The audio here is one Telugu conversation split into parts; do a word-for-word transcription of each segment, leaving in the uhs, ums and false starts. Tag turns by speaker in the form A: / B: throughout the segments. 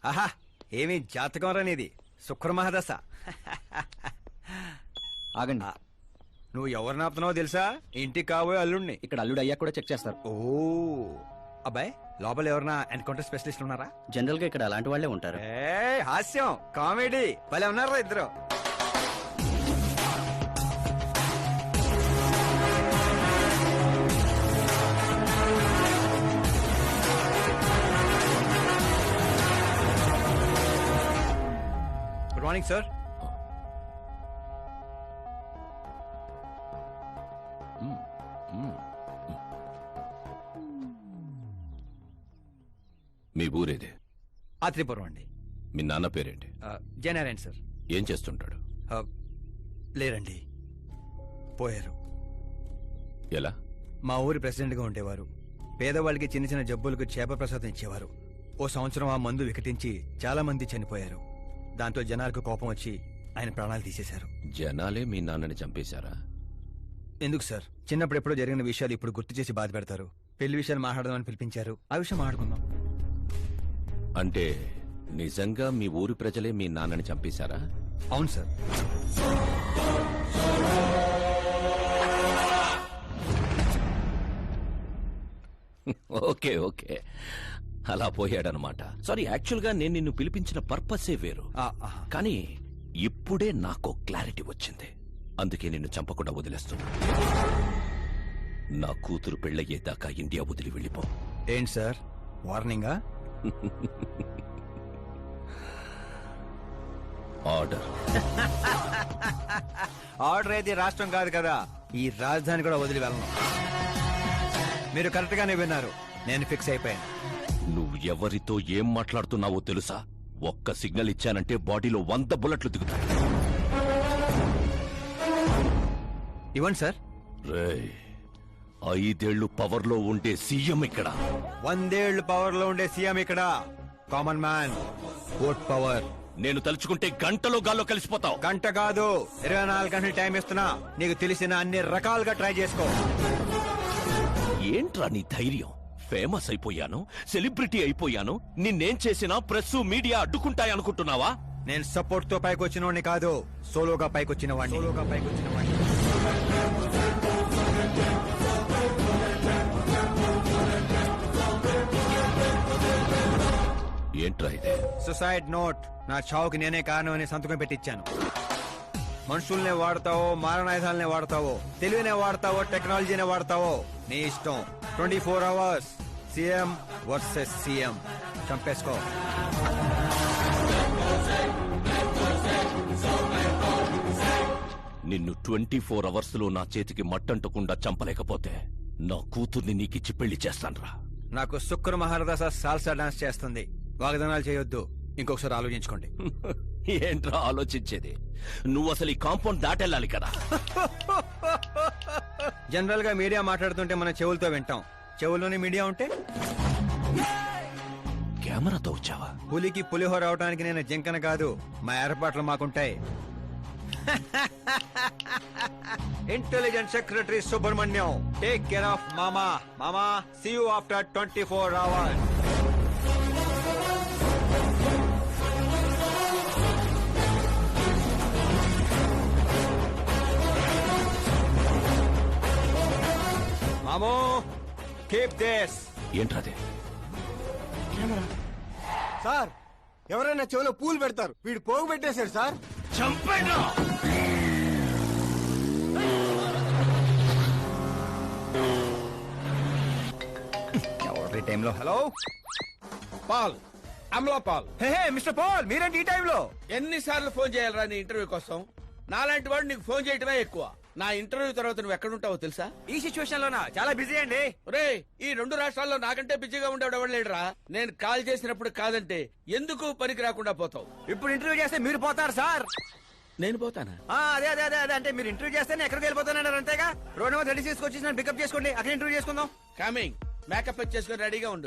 A: ఆహా ఏమి జాతకం రానిది శుక్రమహాదశ.
B: ఆగండి.
A: నువ్వు ఎవరిని ఆపుతున్నావో తెలుసా? ఇంటికి కాబోయే అల్లుడిని.
B: ఇక్కడ అల్లుడు అయ్యా కూడా చెక్ చేస్తారు.
A: ఓ అబ్బాయి, లోపల ఎవరన్నా ఎన్కౌంటర్ స్పెషలిస్ట్ ఉన్నారా?
B: జనరల్ గా ఇక్కడ అలాంటి వాళ్ళే ఉంటారు.
A: ఏ హాస్యం కామెడీ భలే ఉన్నారా ఇద్దరు. Good morning sir.
C: మీ ఊరేదే?
A: ఆత్రిపురం అండి.
C: మీ నాన్న పేరేంటి?
A: జయనారాయణ సార్.
C: ఏం చేస్తుంటాడు?
A: లేరండి, పోయారు.
C: ఎలా?
A: మా ఊరి ప్రెసిడెంట్ గా ఉండేవారు. పేదవాళ్ళకి చిన్న చిన్న జబ్బులకు చేప ప్రసాదం ఇచ్చేవారు. ఓ సంవత్సరం ఆ మందు వికటించి చాలా మంది చనిపోయారు. దాంతో జనాలకు కోపం వచ్చి ఆయన ప్రాణాలు తీసేశారు.
C: జనాలే మీ నాన్నని చంపేశారా?
A: ఎందుకు సార్, చిన్నప్పుడు ఎప్పుడో జరిగిన విషయాలు ఇప్పుడు గుర్తు చేసి బాధ పెడతారు. పెళ్లి విషయాలు మాట్లాడదామని పిలిపించారు, ఆ విషయం మాట్లాడుకుందాం.
C: అంటే నిజంగా మీ ఊరి ప్రజలే మీ నాన్నని చంపేశారా?
A: అవును సార్.
C: ఓకే ఓకే, అలా పోయాడనమాట. సారీ, యాక్చువల్ గా నేను నిన్ను పిలిపించిన పర్పసే వేరు. కానీ ఇప్పుడే నాకు క్లారిటీ వచ్చింది. అందుకే నిన్ను చంపకుండా వదిలేస్తున్నా. నా కూతురు పెళ్ళయ్యేదాకా ఇండియా వదిలి వెళ్ళిపో.
A: ఏంటి సార్ వార్నింగా?
C: ఆర్డర్.
A: ఆర్డర్ అయితే రాష్ట్రం కాదు కదా, ఈ రాజధాని కూడా వదిలి వెళ్ళను. మీరు కరెక్ట్ గానే విన్నారు, నేను ఫిక్స్ అయిపోయాను.
C: నువ్వు ఎవరితో ఏం మాట్లాడుతున్నావో తెలుసా? ఒక్క సిగ్నల్ ఇచ్చానంటే బాడీలో వంద బుల్లెట్లు దిగుతాయి.
A: ఇవ్వండి సార్.
C: రేయ్, ఐదేళ్లు పవర్ లో ఉండే సీఎం ఇక్కడ.
A: వందేళ్లు పవర్ లో ఉండే సీఎం ఇక్కడ. Common man, vote power.
C: నేను తలుచుకుంటే గంటలో గాల్లో కలిసిపోతావు.
A: గంట కాదు, ఇరవై నాలుగు గంటలు టైం ఇస్తున్నా. నీకు తెలిసిన అన్ని రకాలుగా ట్రై చేసుకో.
C: ఏంట్రా నీ ధైర్యం? ఫేమస్ అయిపోయాను, సెలబ్రిటీ అయిపోయాను, నిన్నేం చేసినా ప్రెస్ మీడియా అడ్డుకుంటాయనుకుంటున్నావా?
A: నేను సపోర్ట్ తో పైకి వచ్చిన వాడిని కాదు, సోలోగా పైకి వచ్చిన వాడిని. సోలోగా పైకి వచ్చిన వాడిని.
C: ఏంట్రా ఇదే?
A: Suicide note. నా చావుకి నేనే కారణం అని సంతకం పెట్టించాను. మనుషుల్నే వాడతావో, మారణాయుధాలనే వాడతావో, తెలివినే వాడతావో, టెక్నాలజీనే వాడతావో, నీ ఇష్టం. Twenty four hours CM versus CM. చంపేసుకో.
C: నిన్ను ట్వంటీ ఫోర్ అవర్స్ లో నా చేతికి మట్టంటకుండా చంపలేకపోతే నా కూతుర్ని నీకిచ్చి పెళ్లి చేస్తాన్రా.
A: నాకు శుక్ర మహారదశ సాల్సా డాన్స్ చేస్తుంది. వాగ్దానాలు చేయొద్దు, ఇంకొకసారి ఆలోచించుకోండి.
C: ఏంట్రా ఆలోచించేది? నువ్వు అసలు ఈ కాంపౌండ్ దాటెళ్ళాలి కదా.
A: జనరల్ గా మీడియా మాట్లాడుతుంటే మనం చెవులతో వింటాం, చెవుల్లోనే మీడియా ఉంటే?
C: కెమెరాతో వచ్చావా?
A: పులికి పులిహోర అవడానికి నేను జింకన కాదు, మా ఏర్పాట్లు మాకుంటాయి. Intelligent secretary Subrahmanyam, take care of మామా. మామా, see you after twenty four hours. మామో, కీప్ దిస్.
C: ఏంట్రాదే?
D: సార్, ఎవరైనా చెవిలో పూలు పెడతారు, వీడు పోగు పెట్టేశారు సార్.
C: చంపేనా?
A: ఎవరి టైంలో? Hello
D: Paul, Amala Paul.
A: Hey hey mister Paul, మీరేంటి ఈ టైంలో?
D: ఎన్నిసార్లు ఫోన్ చేయాలరా నీ ఇంటర్వ్యూ కోసం? నాలాంటి వాడు నీకు ఫోన్ చేయటమే ఎక్కువ. నా ఇంటర్వ్యూ తర్వాత నువ్వు ఎక్కడుంటావో తెలుసా?
A: ఈ సిచ్యువేషన్ లోనా? చాలా బిజీ అండి.
D: రే, ఈ రెండు రాష్ట్రాల్లో నాకంటే బిజీగా ఉండేవాడు ఎవడు లేడురా. నేను కాల్ చేసినప్పుడు కాదంటే ఎందుకు పనికి రాకుండా పోతావు?
A: ఇప్పుడు ఇంటర్వ్యూ చేస్తే మీరు పోతారు సార్.
D: నేను పోతానా?
A: ఆ, అదే అదే అదే అదే అంటే మీరు ఇంటర్వ్యూ చేస్తేనే ఎక్కడికి వెళ్ళిపోతానన్నారు, అంతేగా? రోడ్ నెంబర్ రెడీ చేసుకొచ్చి నన్ను పికప్ చేసుకోండి, అక్కడ ఇంటర్వ్యూ చేసుకుందాం.
D: కమింగ్. మేకప్ చేసుకుని రెడీగా ఉండు.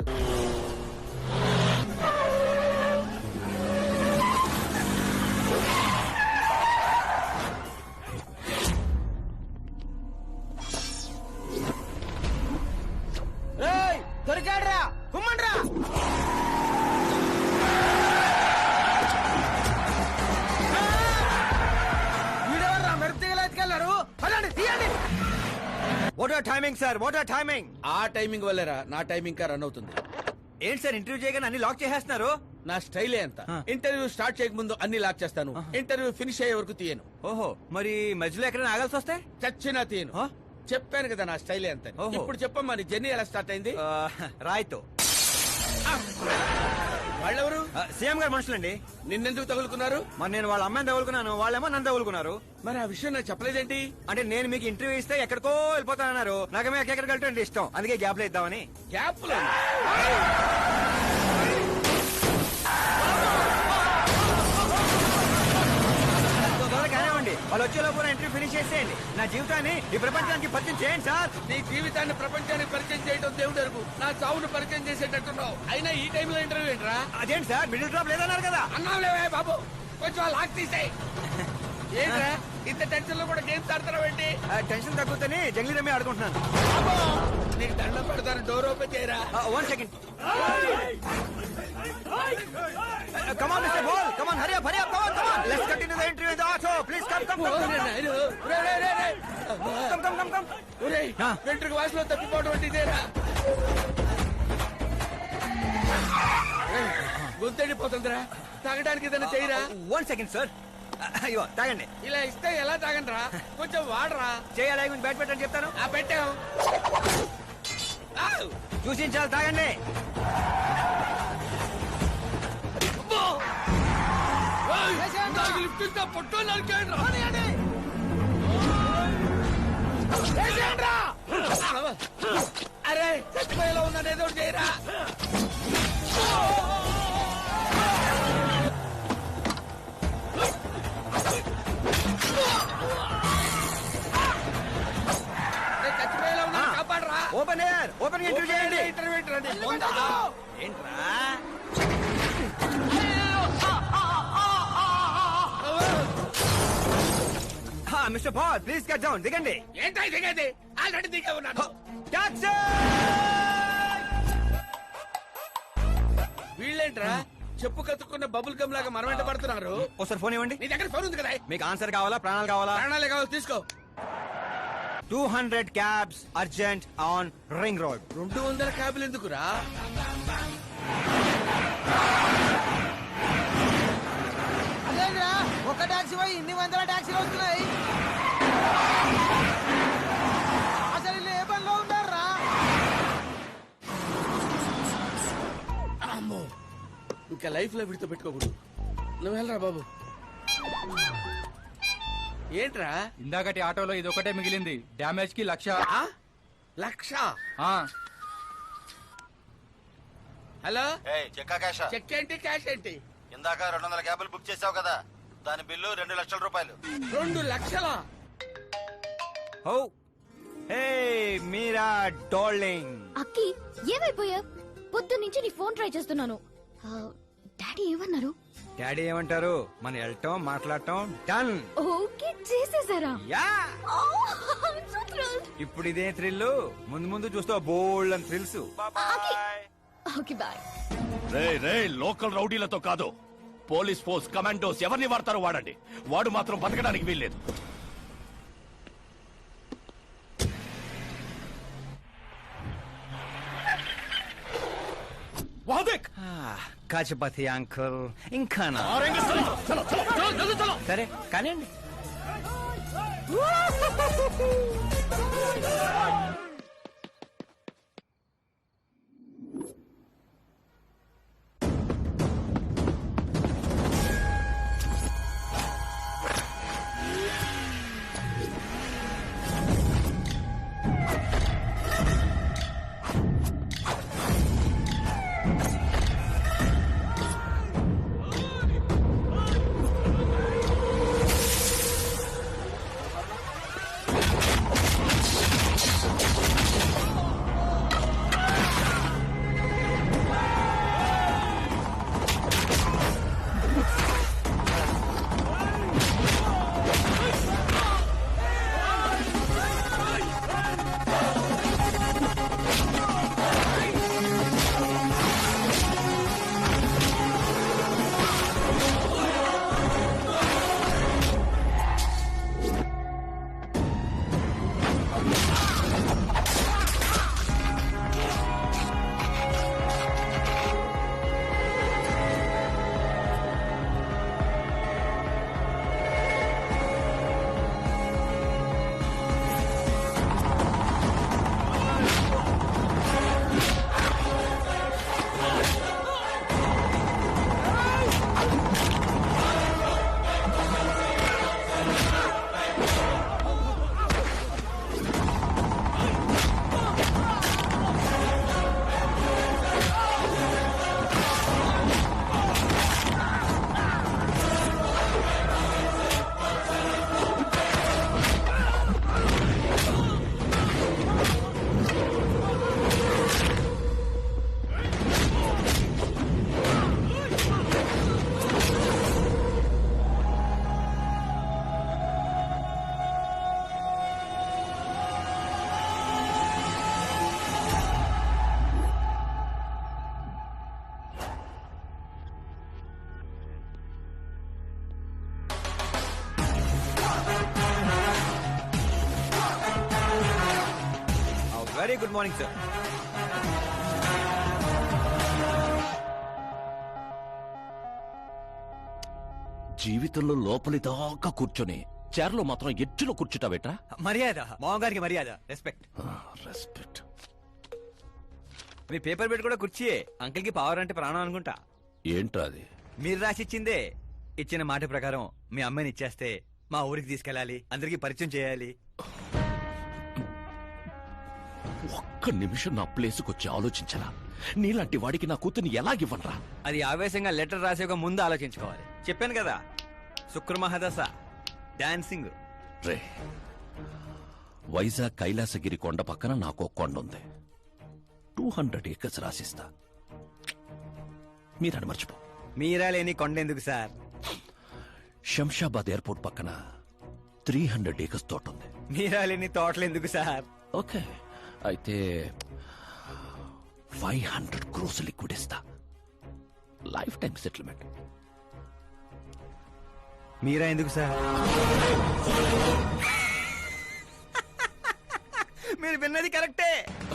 D: దొరికాడ్రా, కుమ్మండ్రా.
A: What are timing sir, what are timing?
D: ఆ టైమింగ్ వల్లేరా నా టైమింగ్ కా రన్ అవుతుంది.
A: ఏంటి సార్ ఇంటర్వ్యూ చేయగానే అన్ని లాక్ చేసేస్తున్నారు?
D: నా స్టైలే అంత.
A: ఆ.
D: ఇంటర్వ్యూ స్టార్ట్ చేయక ముందు అన్ని లాక్ చేస్తాను, ఇంటర్వ్యూ ఫినిష్ అయ్యే వరకు తీయను.
A: ఓహో, మరి మధ్యలో ఎక్కడైనా ఆగాల్సి వస్తే?
D: చచ్చినా తీయను.
A: ఆ?
D: చెప్పాను కదా నా స్టైలే అంత.
A: ఓహో.
D: ఇప్పుడు చెప్పమ్మా నీ జర్నీ ఎలా స్టార్ట్ అయింది?
A: ఆ, రాయ్తో.
D: వాళ్ళెవరు?
A: ఆ, సీఎం గారు మనుషులండి.
D: నిన్నెందుకు తగులుకున్నారు?
A: మరి నేను వాళ్ళ అమ్మాయిని తగులుకున్నాను, వాళ్ళేమో నన్ను తగులుకున్నారు.
D: మరి ఆ విషయం నాకు చెప్పలేదేంటి?
A: అంటే నేను మీకు ఇంటర్వ్యూ ఇస్తే ఎక్కడికో వెళ్ళిపోతానన్నారు. నాకేమో ఎక్కడికి వెళ్ళటం ఇష్టం, అందుకే గ్యాప్ లో ఇద్దామని.
D: గ్యాప్
A: తొందరగా కానివ్వండి, వాళ్ళు వచ్చేలోపు నా ఇంటర్వ్యూ ఫినిష్ చేసేయండి. నా జీవితాన్ని ఈ ప్రపంచానికి పరిచయం చేయండి సార్.
D: నీ జీవితాన్ని ప్రపంచానికి పరిచయం చేయడం దేవుడు అరుగు. నా చావును పరిచయం చేసేటట్టున్నావు. అయినా ఈ టైంలో ఇంటర్వ్యూ ఏంట్రా?
A: అదేంటి సార్, మిడిల్ డ్రాప్ లేదన్నారు కదా?
D: అన్నావులేవే బాబు, కొంచెం ఆ లాక్ తీసేయ్. ఏంట్రా ఇంత టెన్షన్ లో కూడా గేమ్స్ ఆడతావు ఏంటి?
A: ఆ, టెన్షన్ తగ్గుతుంది, జంగ్లీ రమ్మి ఆడుకుంటున్నాను.
D: బాబు, నీకు దండం పెడతాను, డోర్ ఓపెన్ చేయరా.
A: One second. Come on, Mister Ball. Come on, hurry up, hurry up. Come on, come on. Let's continue the interview in the auto. Please come, come, come, come, come. Come, come, come, come. ఆ.
D: వెంట్రుక వాసులో తప్పిపోవడం అంటే ఇదేరా? గొంతెండిపోతుందిరా, తాగడానికి ఏదైనా చేయరా.
A: One second, sir. అయ్యో, తాగండి.
D: ఇలా ఇస్తే ఎలా తాగండిరా? కొంచెం వాడరా.
A: చేయాలి, కొంచెం బ్యాట్ పెట్టని చెప్తాను.
D: ఆ పెట్టాం.
A: చూసించాలి, తాగండి.
D: లిఫ్ట్ ఇస్తా పొట్టో నరికేయండి. అరే చచ్చిపోయేలా ఉందని ఏదో ఒకటి చేయరా. చచ్చిపోయేలా ఉన్నా కాపాడరా.
A: ఓపెన్ ఎయిర్, ఓపెన్ ఇంటర్వ్యూ చేయండి.
D: ఇంటర్వ్యూ
A: ఏంట్రా? Mister Paul, please cut down, దిగండి.
D: ఏంటో దిగేది? ఆల్రెడీ దిగే ఉన్నాను.
A: Taxi!
D: వీళ్ళేంట్రా చెప్పు కత్తుకున్న బబుల్ గమ్ లాగా మనం వెంట పడుతున్నారు?
A: ఒకసారి ఫోన్ ఇవ్వండి.
D: నీ దగ్గర ఫోన్ ఉంది కదా?
A: మీకు ఆన్సర్ కావాలా, ప్రాణాలు కావాలా?
D: ప్రాణాలే కావాలి, తీసుకో.
A: Two hundred cabs urgent on ring road.
D: రెండు వందల క్యాబులు ఎందుకురా?
E: అదేంద్రా ఒక టాక్సీ పోయి ఇన్ని వందల టాక్సీలు వస్తున్నాయి. అసలు వీళ్ళు ఏ పనిలో ఉన్నారా?
D: అమ్మో, ఇంకా లైఫ్ లో విడితో పెట్టుకోకూడదు. నువ్వు వెళ్ళరా బాబు. ఏంట్రా?
F: ఇందాకటి ఆటోలో ఇది ఒకటే మిగిలింది. డ్యామేజ్ కి లక్ష.
D: ఆ? లక్ష?
F: ఆ,
D: హలో,
G: ఏయ్, చెక్కా క్యాషా?
D: చెక్ ఏంటి, క్యాష్ ఏంటి?
G: ఇందాక రెండు వందల క్యాబులు బుక్ చేసావు కదా, దాని బిల్లు రెండు లక్షల రూపాయలు.
D: రెండు లక్షల?
A: Oh hey Meera darling.
H: అక్కి ఏమైపోయా? పొద్దు నుంచి నీ ఫోన్ ట్రై చేస్తున్నాను. ఆ, డాడీ ఏమన్నారు?
A: డాడీ ఏమంటారు? మనం వెళ్ళటం, మాట్లాడటం డన్.
H: ఓకే చేసేసారా?
A: Yeah,
H: Oh, I'm so thrilled.
A: ఇప్పుడు ఇదే థ్రిల్, ముందు ముందు చూస్తావు బోల్డ్ అని థ్రిల్స్.
H: Okay bye.
C: రే రే లోకల్ రౌడీలతో కాదు, పోలీస్ ఫోర్స్ కమాండోస్ ఎవరిని వాడతారో వాడండి. వాడు మాత్రం బతకడానికి వీల్లేదు. వాదేక్
A: కాచపతి అంకుల్ ఇంకా నా. సరే కానివ్వండి. Very good morning sir.
C: జీవితంలో లోపలి దాకా కూర్చొని చైర్లో మాత్రం ఎడ్జ్లో కూర్చుంటావేట్రా?
A: మర్యాద మామగారికి మర్యాద, రెస్పెక్ట్.
C: రెస్పెక్ట్.
A: మీ పేపర్ పెట్టి కూడా కుర్చీయే. అంకిల్ కి పవర్ అంటే ప్రాణం అనుకుంటా.
C: ఏంట్రా అది?
A: మీరు రాసిచ్చిందే. ఇచ్చిన మాట ప్రకారం మీ అమ్మాయిని ఇచ్చేస్తే మా ఊరికి తీసుకెళ్ళాలి, అందరికి పరిచయం చేయాలి.
C: ఒక్క నిమిషం నా ప్లేస్కి వచ్చి ఆలోచించరా? నీలాంటి వాడికి నా కూతుర్ని ఎలాగివ్వనరా?
A: అది ఆవేశంగా లెటర్ రాసే ఒక ముందు ఆలోచించుకోవాలి. చెప్పాను కదా, శుక్ర మహాదశ, డాన్సింగ్.
C: రే, వైజాగ్ కైలాసగిరి కొండ పక్కన నాకు కొండ ఉంది. టూ హండ్రెడ్ ఏకర్స్ రాసిస్తా. మీరని మర్చిపో.
A: మీరా లేని కొండెందుకు సార్?
C: శంషాబాద్ ఎయిర్పోర్ట్ పక్కన త్రీ హండ్రెడ్ ఏకర్స్ తోట ఉంది.
A: మీరా లేని తోటలు ఎందుకు సార్?
C: ఓకే, అయితే ఫైవ్ హండ్రెడ్ క్రోస్ లిక్విడ్ ఇస్తా. Lifetime settlement.
A: మీరా ఎందుకు సార్? మీరు విన్నది కరెక్టే.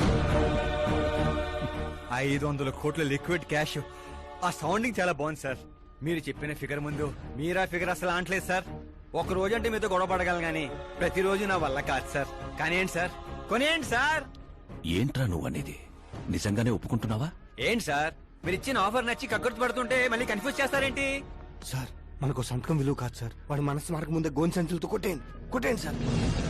A: ఐదు వందల కోట్ల లిక్విడ్ క్యాష్. ఆ సౌండింగ్ చాలా బాగుంది సార్. మీరు చెప్పిన ఫిగర్ ముందు మీరా ఫిగర్ అసలు అంటలేదు సార్. ఒక రోజు అంటే మీతో గొడవ పడగలను కానీ ప్రతిరోజు నా వల్ల కాదు సార్. కానీ ఏంటి సార్, కొనేయండి సార్.
C: ఏంట్రా నువ్వు అనేది? నిజంగానే ఒప్పుకుంటున్నావా?
A: ఏంటి సార్, మీరు ఇచ్చిన ఆఫర్ నచ్చి కక్కుర్తి పడుతుంటే మళ్ళీ కన్ఫ్యూజ్ చేస్తారేంటి?
I: సార్ మనకు సంతకం విలువ కాదు సార్. వాడి మనసు మార్గం ముందే గోన్ సంచులతో కొట్టేయండి, కొట్టేయండి సార్.